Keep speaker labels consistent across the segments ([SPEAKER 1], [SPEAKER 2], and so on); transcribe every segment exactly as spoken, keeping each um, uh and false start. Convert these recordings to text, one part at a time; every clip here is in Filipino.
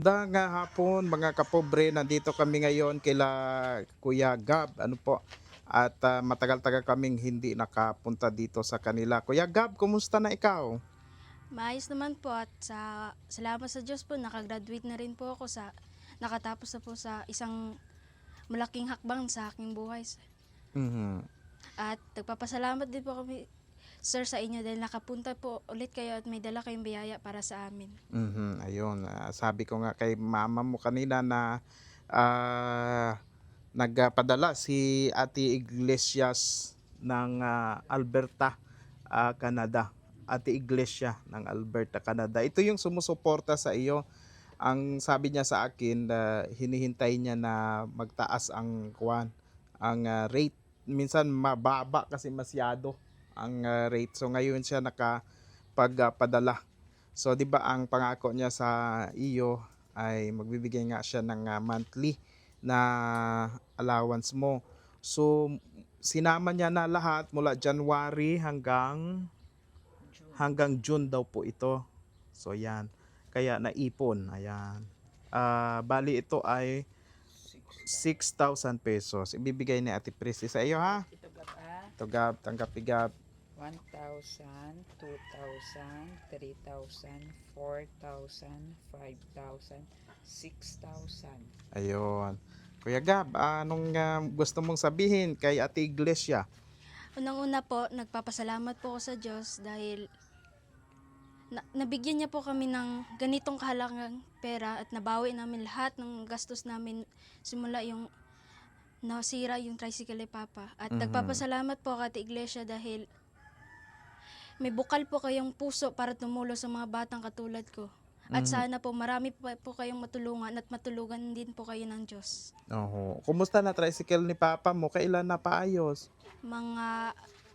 [SPEAKER 1] Magandang hapon mga kapobre, nandito kami ngayon kila Kuya Gab, ano po. At ah, matagal-tagal kaming hindi nakapunta dito sa kanila. Kuya Gab, kumusta na ikaw?
[SPEAKER 2] Maayos naman po at sa salamat sa Diyos po nakagraduate na rin po ako sa nakatapos na po sa isang malaking hakbang sa aking buhay.
[SPEAKER 1] Mhm.
[SPEAKER 2] At nagpapasalamat din po kami sir sa inyo dahil nakapunta po ulit kayo at may dala kayong biyaya para sa amin.
[SPEAKER 1] Mhm, ayun, ah, sabi ko nga kay mama mo kanina na ah, nagpadala si Ate Iglesias ng ah, Alberta, ah, Canada. Ate Iglesia ng Alberta, Canada. Ito yung sumusuporta sa iyo. Ang sabi niya sa akin na hinihintay niya na magtaas ang kuwan, ang ah, rate. Minsan mababa kasi masyado ang ah, rate. So ngayon siya nakapagpadala. So 'di ba ang pangako niya sa iyo ay magbibigay nga siya ng ah, monthly na allowance mo. So sinama niya na lahat mula January hanggang hanggang June daw po ito. So yan. Kaya naipon. Ayan. Ah, bali ito ay six thousand pesos. Ibibigay ni Ate Prissy sa iyo ha.
[SPEAKER 3] Ito gab ah,
[SPEAKER 1] Ito Gab, tanggap Gab.
[SPEAKER 3] one thousand, two thousand, three thousand, four thousand, five thousand, six thousand.
[SPEAKER 1] Ayun. Kuya Gab, anong ah, gusto mong sabihin kay Ate Iglesia?
[SPEAKER 2] Unang-una po, nagpapasalamat po ako sa Diyos dahil na, nabigyan niya po kami ng ganitong kahalagang pera at nabawi namin lahat ng gastos namin simula yung nasira yung tricycle ni Papa. At
[SPEAKER 1] Mhm.
[SPEAKER 2] nagpapasalamat po ako at Iglesia dahil may bukal po kayong puso para tumulong sa mga batang katulad ko. At
[SPEAKER 1] Mhm.
[SPEAKER 2] sana po marami po, po kayong matulungan at matulugan din po kayo ng Diyos.
[SPEAKER 1] Oho. Kumusta na tricycle ni Papa mo? Kailan na paayos?
[SPEAKER 2] Mga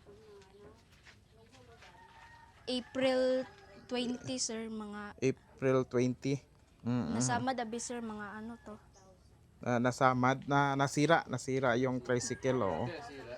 [SPEAKER 2] April twenty sir, mga
[SPEAKER 1] April twenty. Mm.
[SPEAKER 2] nasama dabi sir, mga ano to.
[SPEAKER 1] Ah, nasamad na nasira, nasira yung tricycle oh.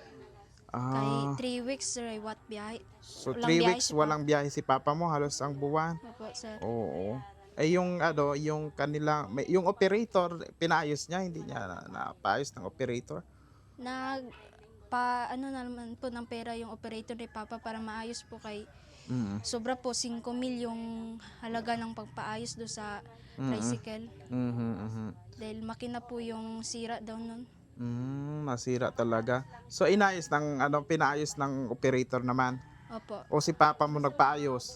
[SPEAKER 2] Kay
[SPEAKER 1] Ah,
[SPEAKER 2] three weeks sir, ay what biyahe.
[SPEAKER 1] so
[SPEAKER 2] Walang
[SPEAKER 1] three
[SPEAKER 2] biyahe
[SPEAKER 1] weeks
[SPEAKER 2] si
[SPEAKER 1] walang biyahe si Papa mo halos ang buwan.
[SPEAKER 2] Opo sir.
[SPEAKER 1] Oo. Eh yung ano, yung kanila, may, yung operator pinayos niya, hindi niya na, napaayos ng operator.
[SPEAKER 2] Nag pa ano na naman po ng pera yung operator ni Papa para maayos po kay
[SPEAKER 1] Mm.
[SPEAKER 2] sobra po five mil yung halaga ng pagpaayos do sa
[SPEAKER 1] Mm.
[SPEAKER 2] tricycle.
[SPEAKER 1] Mhm. Mhm.
[SPEAKER 2] Dahil makina po yung sira daw nun.
[SPEAKER 1] Mm, nasira talaga. So inayos ng ano, pinaayos ng operator naman.
[SPEAKER 2] Opo.
[SPEAKER 1] O si Papa mo nagpaayos.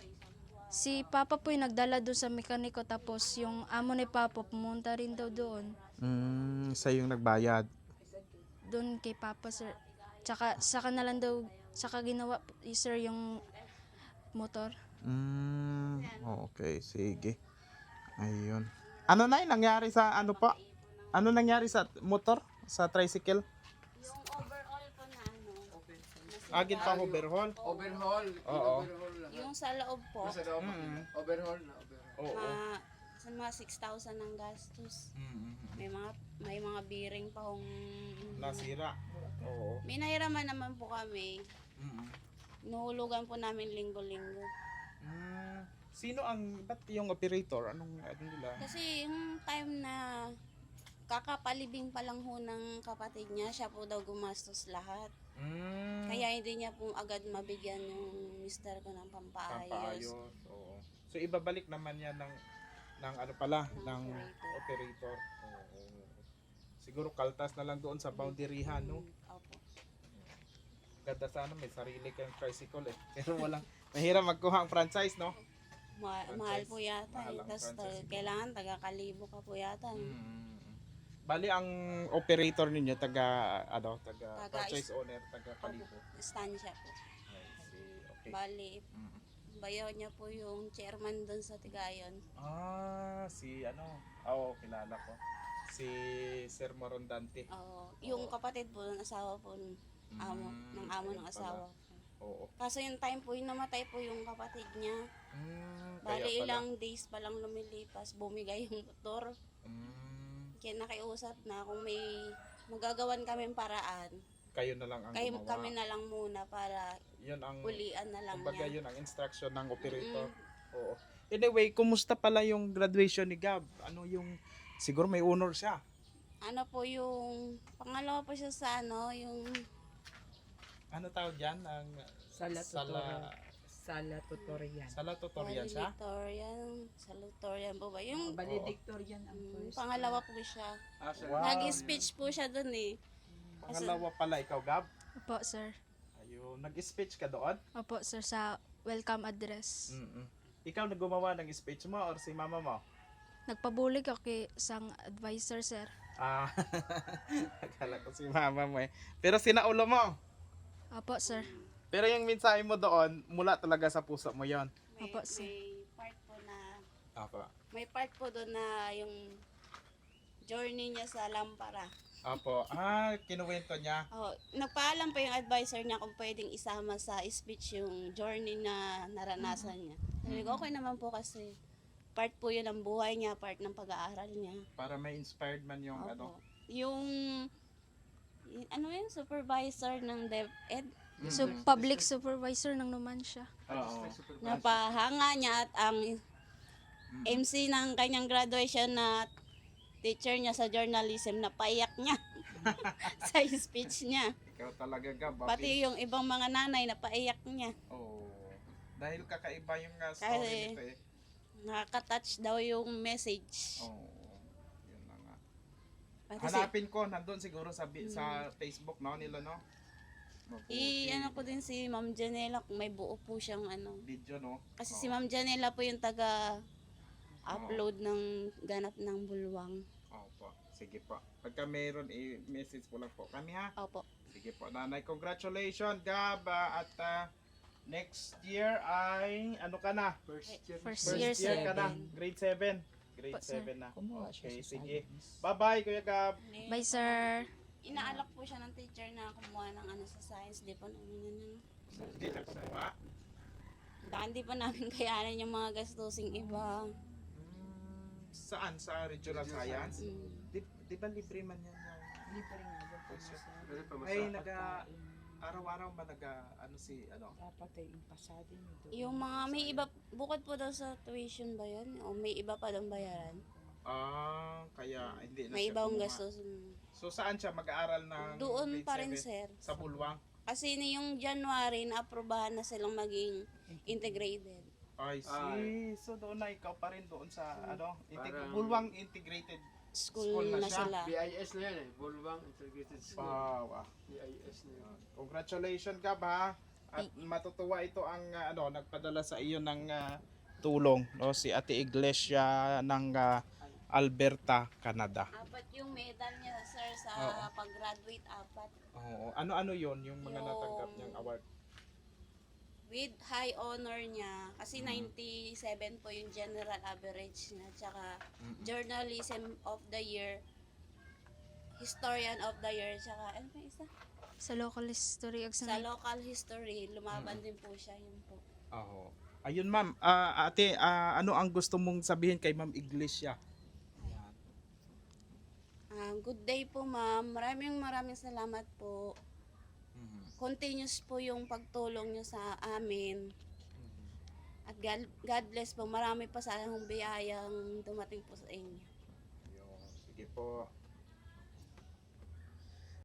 [SPEAKER 2] Si Papa po yung nagdala doon sa mekaniko tapos yung amo ni Papa pumunta rin daw doon.
[SPEAKER 1] Mm, sa yung nagbayad.
[SPEAKER 2] Doon kay Papa sir. Tsaka saka na lang daw saka ginawa eh, sir yung motor.
[SPEAKER 1] Mm, okay, sige. Ayun. Ano na yung nangyari sa ano po? Ano nangyari sa motor? Sa tricycle?
[SPEAKER 4] Yung overall po na ano,
[SPEAKER 1] Agin pa overhaul?
[SPEAKER 5] Overhaul.
[SPEAKER 1] Oo.
[SPEAKER 5] Overhaul lang.
[SPEAKER 4] yung sa loob po,
[SPEAKER 5] Sa loob.
[SPEAKER 1] Mm.
[SPEAKER 5] Overhaul na. Overhaul.
[SPEAKER 1] Oo.
[SPEAKER 4] ma, sa mga six thousand ang gastos.
[SPEAKER 1] Mm.
[SPEAKER 4] May mga may mga bearing pa kung
[SPEAKER 1] Nasira. Oo.
[SPEAKER 4] may nahiraman naman po kami.
[SPEAKER 1] Mm.
[SPEAKER 4] Inuhulugan po namin linggo-linggo.
[SPEAKER 1] Mm. Sino ang, ba't yung operator? Anong, ano nila?
[SPEAKER 4] Kasi yung time na kakapalibing pa lang ho ng kapatid niya, siya po daw gumastos lahat.
[SPEAKER 1] Mm.
[SPEAKER 4] Kaya hindi niya po agad mabigyan yung mister ko ng pampaayos.
[SPEAKER 1] Pampaayos. Oo. So ibabalik naman yan ng ng ano pala, ng
[SPEAKER 4] Ng
[SPEAKER 1] operator. Oo. Siguro kaltas na lang doon sa boundaryhan, no?
[SPEAKER 4] Mm, opo.
[SPEAKER 1] Ganda sana may sarili kang tricycle eh. Pero walang, mahirap magkuha ang franchise, no?
[SPEAKER 4] Ma-
[SPEAKER 1] Franchise.
[SPEAKER 4] mahal po yata.
[SPEAKER 1] Mahal
[SPEAKER 4] eh.
[SPEAKER 1] ang
[SPEAKER 4] Tapos
[SPEAKER 1] franchise.
[SPEAKER 4] kailangan taga-kalibo ka po yata. eh.
[SPEAKER 1] Mm. Bali ang operator ninyo taga ano, taga,
[SPEAKER 4] Taga-
[SPEAKER 1] franchise owner, taga
[SPEAKER 4] Opo,
[SPEAKER 1] Kalibo.
[SPEAKER 4] Estancia po.
[SPEAKER 1] I see. Okay.
[SPEAKER 4] Bali,
[SPEAKER 1] Mm.
[SPEAKER 4] bayaw niya po yung chairman doon sa Tigayon.
[SPEAKER 1] Ah, si ano? Oo, kilala ko. Si Sir Morondante.
[SPEAKER 4] Oo, yung
[SPEAKER 1] Oo.
[SPEAKER 4] kapatid po, ng asawa po, ng amo,
[SPEAKER 1] Mm,
[SPEAKER 4] ng amo
[SPEAKER 1] ayun
[SPEAKER 4] ng
[SPEAKER 1] pala.
[SPEAKER 4] asawa.
[SPEAKER 1] Oo.
[SPEAKER 4] Kaso yung time po, yung namatay po yung kapatid niya.
[SPEAKER 1] Mm, kaya
[SPEAKER 4] Bali,
[SPEAKER 1] pala.
[SPEAKER 4] ilang days pa lang lumilipas, bumigay yung motor.
[SPEAKER 1] Mm,
[SPEAKER 4] Kaya nakiusap na kung may magagawan kami paraan,
[SPEAKER 1] kayo na lang ang
[SPEAKER 4] kayo,
[SPEAKER 1] gumawa.
[SPEAKER 4] kami na lang muna para
[SPEAKER 1] Yun ang
[SPEAKER 4] ulian na lang
[SPEAKER 1] kumbaga
[SPEAKER 4] niya.
[SPEAKER 1] yun ang instruction ng operator. Oo. Anyway, kumusta pala yung graduation ni Gab? Ano yung, siguro may honor siya.
[SPEAKER 4] Ano po yung, pangalawa po siya sa ano, yung
[SPEAKER 1] Ano tawag dyan? Ang
[SPEAKER 3] Sala tutorial.
[SPEAKER 1] sala,
[SPEAKER 3] Sala tutorial.
[SPEAKER 1] sala tutorial siya?
[SPEAKER 4] valedictorian, salutatorian po ba? Yung
[SPEAKER 3] Valedictorian ang
[SPEAKER 4] mm,
[SPEAKER 3] first.
[SPEAKER 4] pangalawa po siya.
[SPEAKER 1] Wow.
[SPEAKER 4] Nag-speech po siya dun eh.
[SPEAKER 1] Pangalawa pala ikaw, Gab?
[SPEAKER 2] Opo, sir.
[SPEAKER 1] Ayun, nag-speech ka doon?
[SPEAKER 2] Opo, sir, sa welcome address.
[SPEAKER 1] Mm-mm. Ikaw naggumawa ng speech mo or si mama mo?
[SPEAKER 2] Nagpabulig ako kay isang advisor, sir.
[SPEAKER 1] Ah, akala ko si mama mo eh. Pero sinaulo mo.
[SPEAKER 2] Opo, sir.
[SPEAKER 1] Pero yung mensahe mo doon, mula talaga sa puso mo yon.
[SPEAKER 4] May,
[SPEAKER 2] Opo, sir.
[SPEAKER 4] may part po na,
[SPEAKER 1] Apo.
[SPEAKER 4] may part po doon na yung journey niya sa Lampara.
[SPEAKER 1] Apo. Ah, kinuwento niya.
[SPEAKER 4] Oh, nagpaalam pa yung advisor niya kung pwedeng isama sa speech yung journey na naranasan niya. Sabi ko, okay naman po kasi part po yun ng buhay niya, part ng pag-aaral niya.
[SPEAKER 1] Para may inspired man yung ano.
[SPEAKER 4] Opo. Yung, y- ano yun, supervisor ng DepEd,
[SPEAKER 2] So, public supervisor ng Numancia.
[SPEAKER 1] Oo.
[SPEAKER 4] napahanga niya at ang M C ng kanyang graduation na teacher niya sa journalism, napaiyak niya sa speech niya.
[SPEAKER 1] Ikaw talaga, Gab.
[SPEAKER 4] Pati yung ibang mga nanay, napaiyak niya.
[SPEAKER 1] Oh. Dahil kakaiba yung uh, story
[SPEAKER 4] Kasi-
[SPEAKER 1] nito eh.
[SPEAKER 4] Nakaka-touch daw yung message.
[SPEAKER 1] Oo. Yun na nga.
[SPEAKER 4] Pati si,
[SPEAKER 1] Hanapin ko, nandun siguro sa, bi- sa Facebook, no, nila, no? Mabuti.
[SPEAKER 4] i, ano ko din si Ma'am Janela kung may buo po siyang ano.
[SPEAKER 1] Video, no?
[SPEAKER 4] Kasi
[SPEAKER 1] Oo.
[SPEAKER 4] si Ma'am Janela po yung taga upload ng ganap ng bulwang.
[SPEAKER 1] Opo. Sige po. Pagka meron, i-message po lang po kami, ha?
[SPEAKER 4] Opo.
[SPEAKER 1] Sige po, nanay. Congratulations, Gab. ah, At ah, next year ay, ano ka na?
[SPEAKER 3] First year.
[SPEAKER 2] First
[SPEAKER 1] First
[SPEAKER 2] year,
[SPEAKER 1] year
[SPEAKER 2] sir.
[SPEAKER 1] ka na. Grade seven. Grade
[SPEAKER 2] Po, sir.
[SPEAKER 1] seven na.
[SPEAKER 3] Kumuha siya
[SPEAKER 1] Okay,
[SPEAKER 3] sa
[SPEAKER 1] sige.
[SPEAKER 3] science.
[SPEAKER 1] Bye-bye, Kuya Gab.
[SPEAKER 2] Bye, sir.
[SPEAKER 4] Inaalok po siya ng teacher na kumuha ng ano sa science. Di po namin ano.
[SPEAKER 1] Hindi na kumuha.
[SPEAKER 4] Baka hindi pa namin kayanan yung mga gastusing iba.
[SPEAKER 1] Hmm, Saan? Sa regional science?
[SPEAKER 4] Mm.
[SPEAKER 1] Di, di ba libre man yan? yung-
[SPEAKER 3] Libre nga yung pamasahe.
[SPEAKER 1] Ay, naga, araw-araw ba naga, ano si, ano?
[SPEAKER 3] Dapat ay impasado niyo doon.
[SPEAKER 4] Yung mga may iba, bukod po daw sa tuition ba yun? O may iba pa daw bayaran?
[SPEAKER 1] Ah, kaya hindi na
[SPEAKER 4] May
[SPEAKER 1] siya
[SPEAKER 4] ibang
[SPEAKER 1] kumuha.
[SPEAKER 4] gastos.
[SPEAKER 1] So saan siya mag-aaral ng
[SPEAKER 4] Doon
[SPEAKER 1] grade
[SPEAKER 4] pa rin,
[SPEAKER 1] seven?
[SPEAKER 4] sir.
[SPEAKER 1] Sa Bulwang?
[SPEAKER 4] Kasi ni yung January, na-aprobahan na silang maging integrated.
[SPEAKER 1] I see. So doon na ikaw pa rin doon sa ano, integ-
[SPEAKER 5] Parang-
[SPEAKER 1] Bulwang Integrated
[SPEAKER 4] School,
[SPEAKER 1] School na
[SPEAKER 4] na,
[SPEAKER 1] siya.
[SPEAKER 4] sila.
[SPEAKER 5] B I S na yan eh. Bulwang Integrated School.
[SPEAKER 1] Wow. ah.
[SPEAKER 5] B I S na yan.
[SPEAKER 1] Congratulations ka ba? At matutuwa ito ang ah, ano nagpadala sa iyo ng ah, tulong no si Ate Iglesia ng ah, Alberta, Canada.
[SPEAKER 4] Apat yung medal niya, sir, sa
[SPEAKER 1] Oo.
[SPEAKER 4] pag-graduate, apat.
[SPEAKER 1] Oo. Ano-ano 'yon yung mga
[SPEAKER 4] Yung-
[SPEAKER 1] natanggap niyang award?
[SPEAKER 4] With high honor niya, kasi ninety-seven po yung general average niya, tsaka journalism of the year, historian of the year, tsaka ano pa isa?
[SPEAKER 2] Sa local history ag
[SPEAKER 4] Sa
[SPEAKER 2] sa
[SPEAKER 4] local history, lumaban din po siya, yun po.
[SPEAKER 1] Oo. Ayun ma'am, Ah, ate, ah, ano ang gusto mong sabihin kay Ma'am Iglesia? Ayan.
[SPEAKER 4] Ah, good day po, ma'am. Maraming maraming salamat po.
[SPEAKER 1] Mhm.
[SPEAKER 4] Continuous po yung pagtulong niyo sa amin.
[SPEAKER 1] Mhm.
[SPEAKER 4] At God, God bless po. Marami pa sa akong biyayang dumating po sa inyo.
[SPEAKER 1] Ayun. Sige po.